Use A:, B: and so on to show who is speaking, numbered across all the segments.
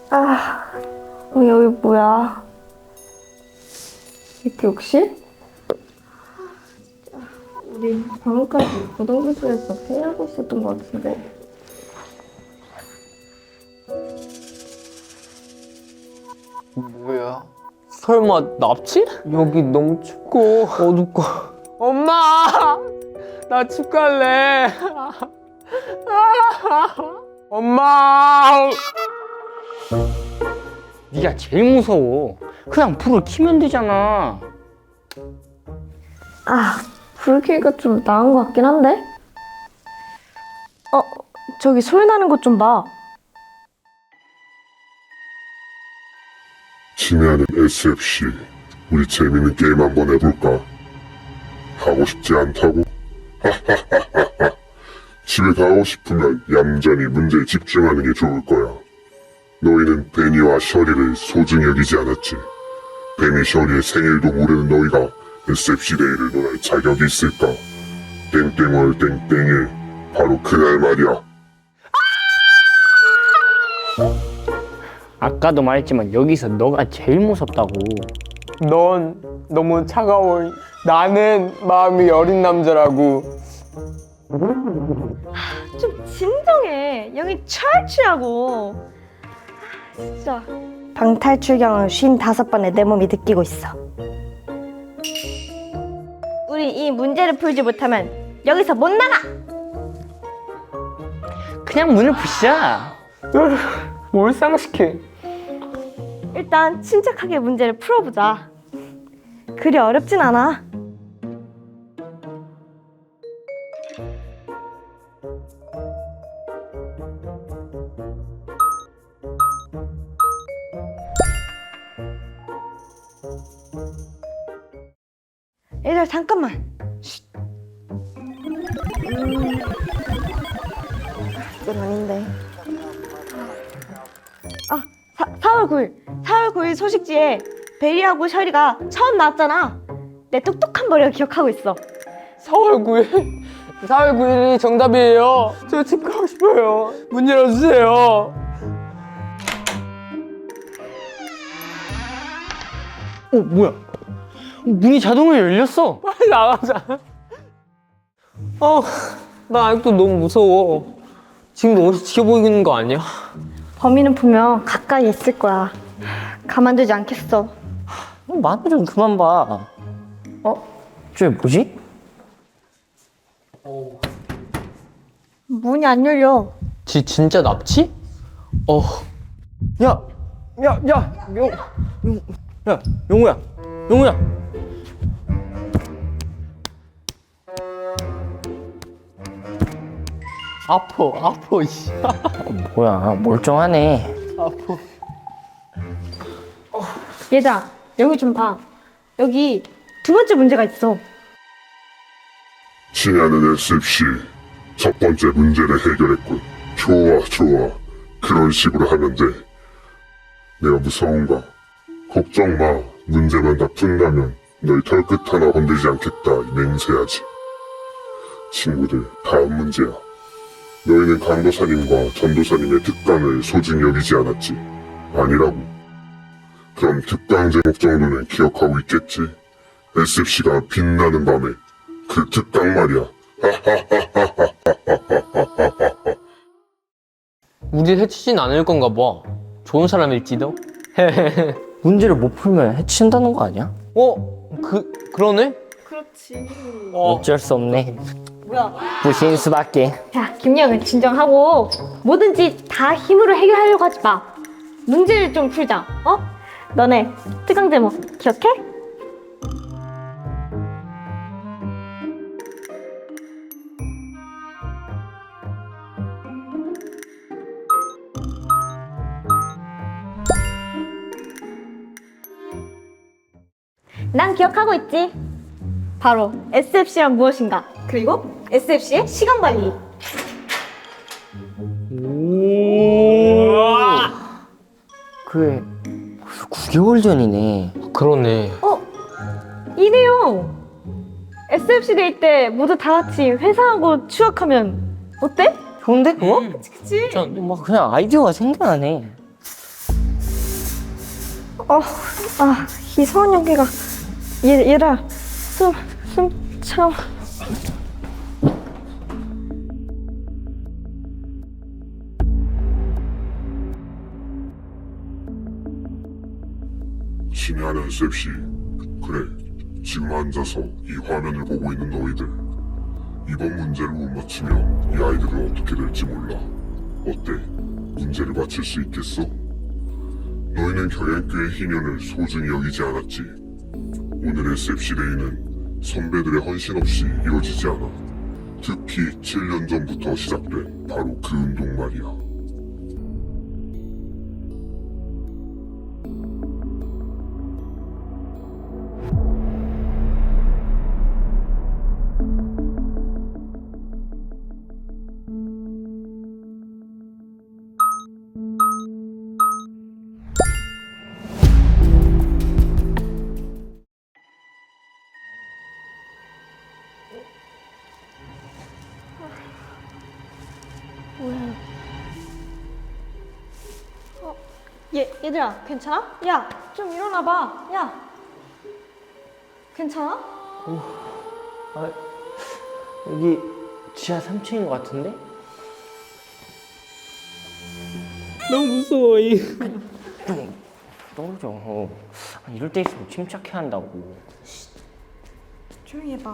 A: 여기 뭐야? 이 교육실? 우리 방금까지 고등교실에서 회의하고 있었던 것 같은데.
B: 뭐야? 설마 납치? 여기 너무 춥고 어둡고. 엄마! 나 집 갈래. 엄마!
C: 네가 제일 무서워. 그냥 불을 켜면 되잖아.
A: 불 켜기가 좀 나은 것 같긴 한데? 저기 소리 나는 것 좀 봐.
D: 친애하는 SFC, 우리 재밌는 게임 한번 해볼까? 하고 싶지 않다고? 집에 가고 싶으면 얌전히 문제에 집중하는 게 좋을 거야. 너희는 베니와 셔리를 소중히 여기지 않았지. 베니 셔리의 생일도 모르는 너희가 SFC 데이를 논할 자격이 있을까? 땡땡월 땡땡일, 바로 그날 말이야.
C: 아까도 말했지만 여기서 너가 제일 무섭다고.
B: 넌 너무 차가워. 나는 마음이 어린 남자라고.
A: 좀 진정해. 여기 철치라고. 진짜. 방탈출경을 55번에 내 몸이 느끼고 있어. 우리 이 문제를 풀지 못하면 여기서 못 나가!
C: 그냥 문을 부시자.
B: 뭘 상식해?
A: 일단 침착하게 문제를 풀어보자. 그리 어렵진 않아. 얘들아 잠깐만. 이건 아닌데. 4월 9일. 4월 9일 소식지에 베리하고 셔리가 처음 나왔잖아. 내 똑똑한 머리가 기억하고 있어.
B: 4월 9일? 4월 9일이 정답이에요. 저 집 가고 싶어요. 문 열어주세요.
C: 뭐야? 문이 자동으로 열렸어.
B: 빨리 나가자. 나 아직도 너무 무서워. 지금도 어디서 지켜보고 있는 거 아니야?
A: 범인은 분명 가까이 있을 거야. 가만두지 않겠어.
C: 마늘 좀 그만 봐. 저게 뭐지?
A: 문이 안 열려.
B: 진짜 납치? 야,
C: 용우야.
B: 아파, 씨.
C: 뭐야, 멀쩡하네.
B: 아파.
A: 얘들아, 여기 좀 봐. 여기 두 번째 문제가 있어.
D: 친애하는 SFC, 첫 번째 문제를 해결했군. 좋아. 그런 식으로 하면 돼. 내가 무서운가? 걱정 마. 문제만 다 푼다면 너희 털끝 하나 건들지 않겠다. 맹세하지. 친구들, 다음 문제야. 너희는 강도사님과 전도사님의 특강을 소중히 여기지 않았지? 아니라고. 그럼 특강 제목 정도는 기억하고 있겠지? SFC가 빛나는 밤에 그 특강 말이야.
B: 우리 해치진 않을 건가 봐. 좋은 사람일지도.
C: 문제를 못 풀면 해친다는 거 아니야?
B: 그러네?
A: 그렇지.
C: 어쩔 수 없네.
A: 뭐야?
C: 부신 수밖에.
A: 자, 김영은 진정하고 뭐든지 다 힘으로 해결하려고 하지 마. 문제를 좀 풀자. 너네 특강 제목 기억해? 난 기억하고 있지. 바로 SFC란 무엇인가, 그리고 SFC의 시간 관리.
C: 그게 벌써 9개월 전이네.
B: 그러네.
A: 이 내용 SFC 데이 때 모두 다 같이 회상하고 추억하면 어때?
C: 좋은데?
A: 그치?
C: 막 그냥 아이디어가 생겨나네.
A: 이상한 연기가. 얘들아, 숨 참.
D: 친애하는 셉씨, 그래, 지금 앉아서 이 화면을 보고 있는 너희들. 이번 문제를 못 맞추면 이 아이들은 어떻게 될지 몰라. 어때? 문제를 맞출 수 있겠어? 너희는 경연교의 희년을 소중히 여기지 않았지. 오늘의 셉시데이는 선배들의 헌신 없이 이루어지지 않아. 특히 7년 전부터 시작된 바로 그 운동 말이야.
A: 얘들아, 괜찮아? 야, 좀 일어나봐. 야, 괜찮아?
C: 아, 여기 지하 3층인 것 같은데?
B: 너무 무서워.
C: 떨어져. 이럴 때 있으면 침착해야 한다고.
A: 조용히 해봐.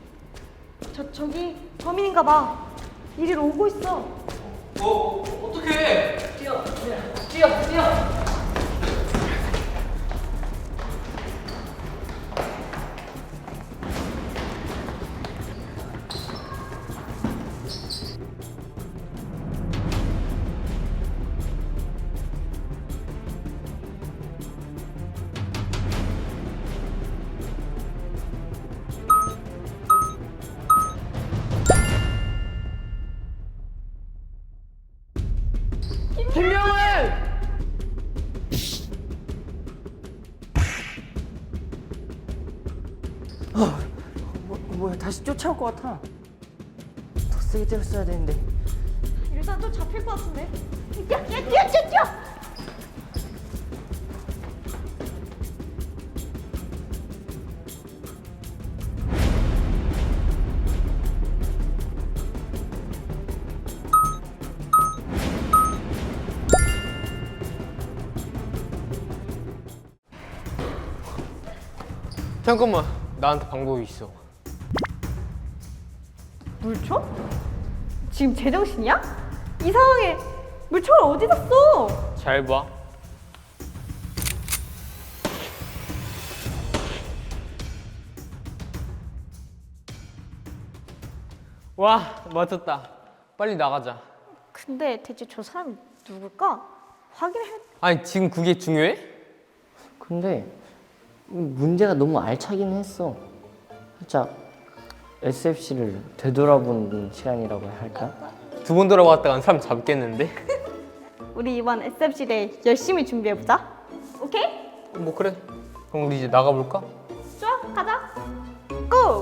A: 저기 범인인가 봐. 이리로 오고 있어.
B: 어떡해? 뛰어. 김명을!
C: 뭐야, 다시 쫓아올 것 같아. 더 세게 때렸어야 되는데.
A: 일단 또 잡힐 것 같은데. 뛰어!
B: 잠깐만, 나한테 방법이 있어.
A: 물총? 지금 제정신이야? 이 상황에 물총을 어디다 써?
B: 잘 봐. 와, 맞췄다. 빨리 나가자.
A: 근데 대체 저 사람이 누굴까? 확인해.
B: 아니, 지금 그게 중요해?
C: 근데 문제가 너무 알차긴 했어. 살짝 SFC를 되돌아보는 시간이라고 해야 할까?
B: 두 번 돌아왔다간 사람 잡겠는데?
A: 우리 이번 SFC대 열심히 준비해보자. 오케이?
B: 뭐 그래. 그럼 우리 이제 나가볼까?
A: 좋아, 가자. 고!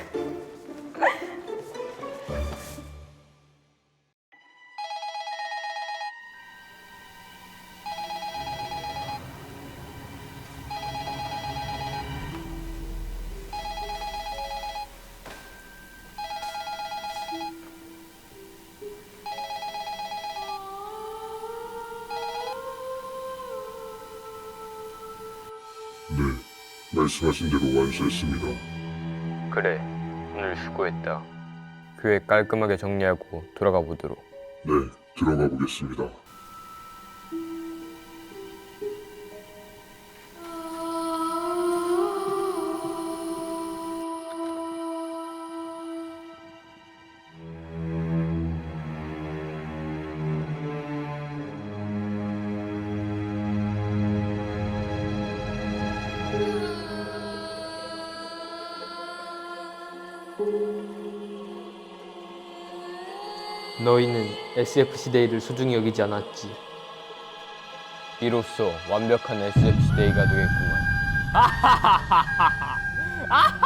D: 네, 말씀하신 대로 완수했습니다.
B: 그래, 오늘 수고했다. 교회 깔끔하게 정리하고 돌아가 보도록.
D: 네, 들어가 보겠습니다.
B: 너희는 SFC데이를 소중히 여기지 않았지. 이로써 완벽한 SFC데이가 되겠구만.